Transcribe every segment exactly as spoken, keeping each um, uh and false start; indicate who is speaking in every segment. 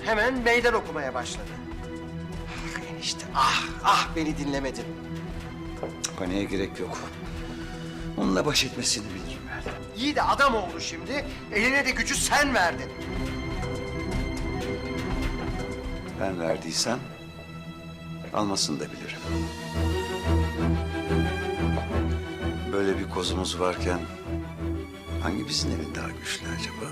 Speaker 1: hemen meydan okumaya başladı. Ah enişte, ah, ah beni dinlemedin.
Speaker 2: Paniğe gerek yok. Onunla baş etmesini bilirim ben.
Speaker 1: İyi de adam oldu şimdi, eline de gücü sen verdin.
Speaker 2: Ben verdiysem almasını da bilirim. Böyle bir kozumuz varken hangimizin eli daha güçlü acaba?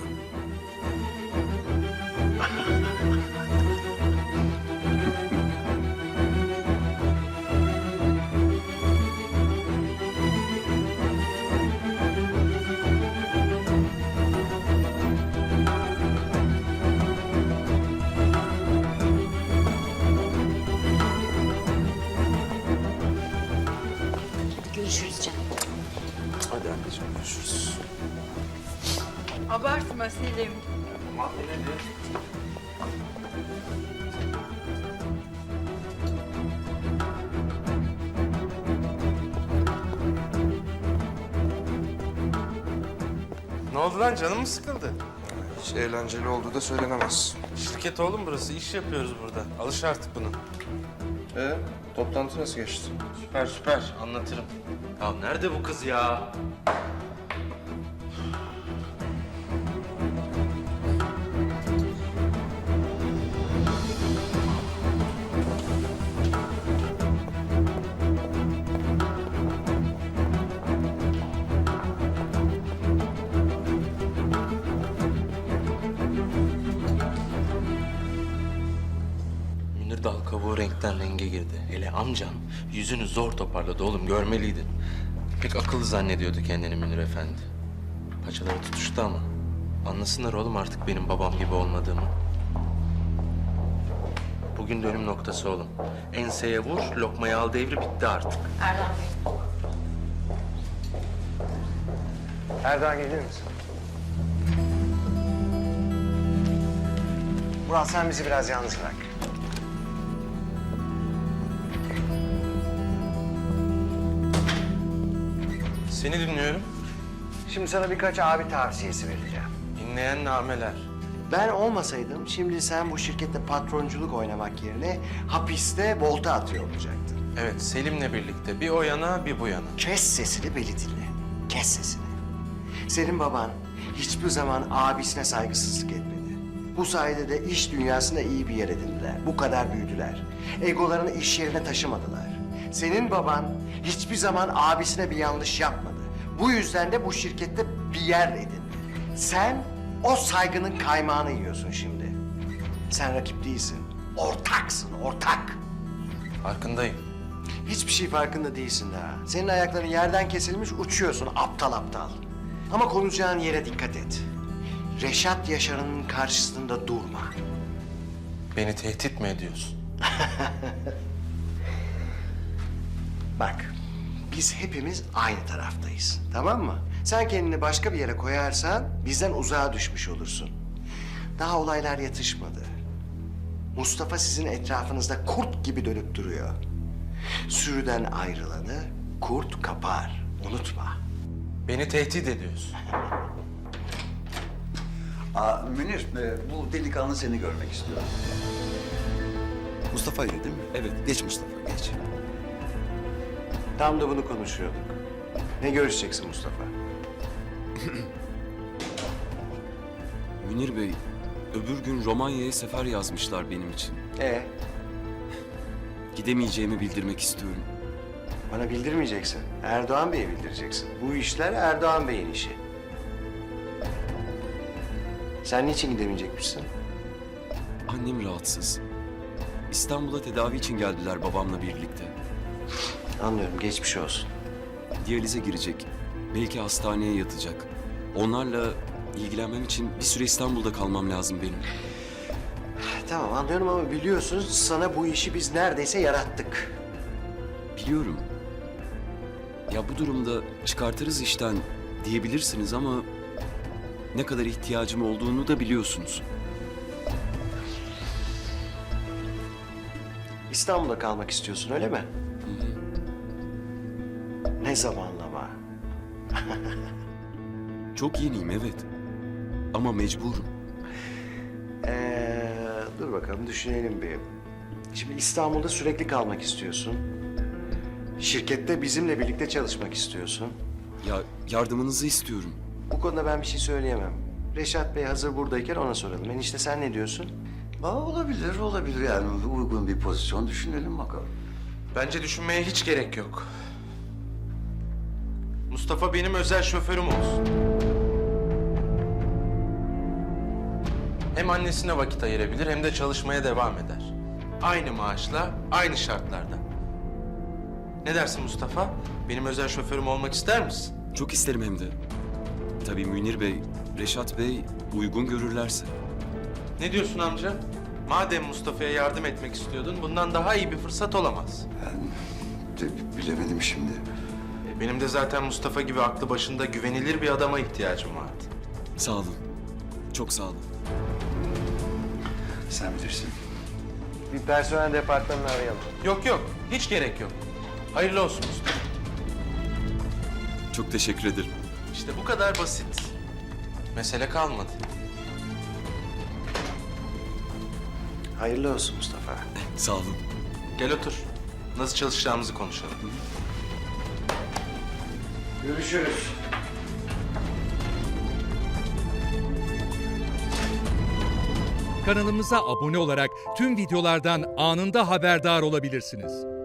Speaker 3: Görüşürüz canım.
Speaker 2: Hadi anneciğim görüşürüz.
Speaker 4: Abartma Selim.
Speaker 5: Ne oldu lan, canın mı sıkıldı?
Speaker 6: Hiç eğlenceli olduğu da söylenemez.
Speaker 5: Şirket oğlum burası, iş yapıyoruz burada. Alış artık buna.
Speaker 6: Ee, toplantı nasıl geçti?
Speaker 5: Süper süper, anlatırım. Ya nerede bu kız ya? Münir dal kabuğu renkten renge girdi. Hele amcam yüzünü zor toparladı oğlum, görmeliydin. Pek akıllı zannediyordu kendini Münir Efendi. Paçaları tutuştu ama. Anlasınlar oğlum artık benim babam gibi olmadığımı. Bugün dönüm noktası oğlum. Enseye vur, lokmayı al devri bitti artık.
Speaker 3: Erdem Bey.
Speaker 1: Erdoğan gelir misin? Murat sen bizi biraz yalnız bırak.
Speaker 5: Seni dinliyorum.
Speaker 1: Şimdi sana birkaç abi tavsiyesi vereceğim.
Speaker 5: Dinleyen nameler.
Speaker 1: Ben olmasaydım şimdi sen bu şirkette patronculuk oynamak yerine hapiste volta atıyor olacaktın.
Speaker 5: Evet, Selim'le birlikte bir o yana bir bu yana.
Speaker 1: Kes sesini beni dinle. Kes sesini. Senin baban hiçbir zaman abisine saygısızlık etmedi. Bu sayede de iş dünyasında iyi bir yer edindiler. Bu kadar büyüdüler. Egolarını iş yerine taşımadılar. Senin baban hiçbir zaman abisine bir yanlış yapmadı. Bu yüzden de bu şirkette bir yer edindi. Sen o saygının kaymağını yiyorsun şimdi. Sen rakip değilsin. Ortaksın, ortak.
Speaker 5: Farkındayım.
Speaker 1: Hiçbir şey farkında değilsin daha. Senin ayakların yerden kesilmiş, uçuyorsun aptal aptal. Ama konuşacağın yere dikkat et. Reşat Yaşar'ın karşısında durma.
Speaker 5: Beni tehdit mi ediyorsun?
Speaker 1: Bak, biz hepimiz aynı taraftayız, tamam mı? Sen kendini başka bir yere koyarsan bizden uzağa düşmüş olursun. Daha olaylar yatışmadı. Mustafa sizin etrafınızda kurt gibi dönüp duruyor. Sürüden ayrılanı kurt kapar, unutma.
Speaker 5: Beni tehdit ediyorsun.
Speaker 2: Aa, Münir, e, bu delikanlı seni görmek istiyor. Mustafa'ydı değil mi? Evet. Geç Mustafa, geç.
Speaker 1: Tam da bunu konuşuyorduk. Ne görüşeceksin Mustafa?
Speaker 7: Münir Bey, öbür gün Romanya'ya sefer yazmışlar benim için.
Speaker 1: Ee,
Speaker 7: Gidemeyeceğimi bildirmek istiyorum.
Speaker 1: bana bildirmeyeceksin. Erdoğan Bey'e bildireceksin. Bu işler Erdoğan Bey'in işi. Sen niçin gidemeyecekmişsin?
Speaker 7: Annem rahatsız. İstanbul'a tedavi için geldiler babamla birlikte.
Speaker 1: Anlıyorum, geçmiş olsun.
Speaker 7: Diyalize girecek. Belki hastaneye yatacak. Onlarla ilgilenmem için bir süre İstanbul'da kalmam lazım benim.
Speaker 1: Tamam anlıyorum ama biliyorsun sana bu işi biz neredeyse yarattık.
Speaker 7: Biliyorum. Ya bu durumda çıkartırız işten diyebilirsiniz ama ne kadar ihtiyacım olduğunu da biliyorsunuz.
Speaker 1: İstanbul'da kalmak istiyorsun öyle mi? Ne zamanlama?
Speaker 7: Çok yeniyim evet. Ama mecburum.
Speaker 1: Ee, dur dur bakalım düşünelim bir. Şimdi İstanbul'da sürekli kalmak istiyorsun. Şirkette bizimle birlikte çalışmak istiyorsun.
Speaker 7: Ya yardımınızı istiyorum.
Speaker 1: Bu konuda ben bir şey söyleyemem. Reşat Bey hazır buradayken ona soralım. Enişte sen ne diyorsun?
Speaker 2: Aa, olabilir, olabilir yani. Uygun bir pozisyon düşünelim bakalım.
Speaker 5: Bence düşünmeye hiç gerek yok. Mustafa benim özel şoförüm olsun. Hem annesine vakit ayırabilir hem de çalışmaya devam eder. Aynı maaşla, aynı şartlarda. Ne dersin Mustafa? Benim özel şoförüm olmak ister misin?
Speaker 7: Çok isterim hem de. Tabii Münir Bey, Reşat Bey uygun görürlerse.
Speaker 5: Ne diyorsun amca? Madem Mustafa'ya yardım etmek istiyordun, bundan daha iyi bir fırsat olamaz.
Speaker 2: Ben de bilemedim şimdi.
Speaker 5: E, Benim de zaten Mustafa gibi aklı başında güvenilir bir adama ihtiyacım vardı.
Speaker 7: Sağ olun. Çok sağ olun.
Speaker 2: Sen bilirsin.
Speaker 1: Bir personel departmanını arayalım.
Speaker 5: Yok yok, hiç gerek yok. Hayırlı olsun Mustafa.
Speaker 7: Çok teşekkür ederim.
Speaker 5: İşte bu kadar basit. Mesele kalmadı.
Speaker 1: Hayırlı olsun Mustafa.
Speaker 7: Sağ olun.
Speaker 5: Gel otur. Nasıl çalışacağımızı konuşalım.
Speaker 1: Görüşürüz.
Speaker 4: Kanalımıza abone olarak tüm videolardan anında haberdar olabilirsiniz.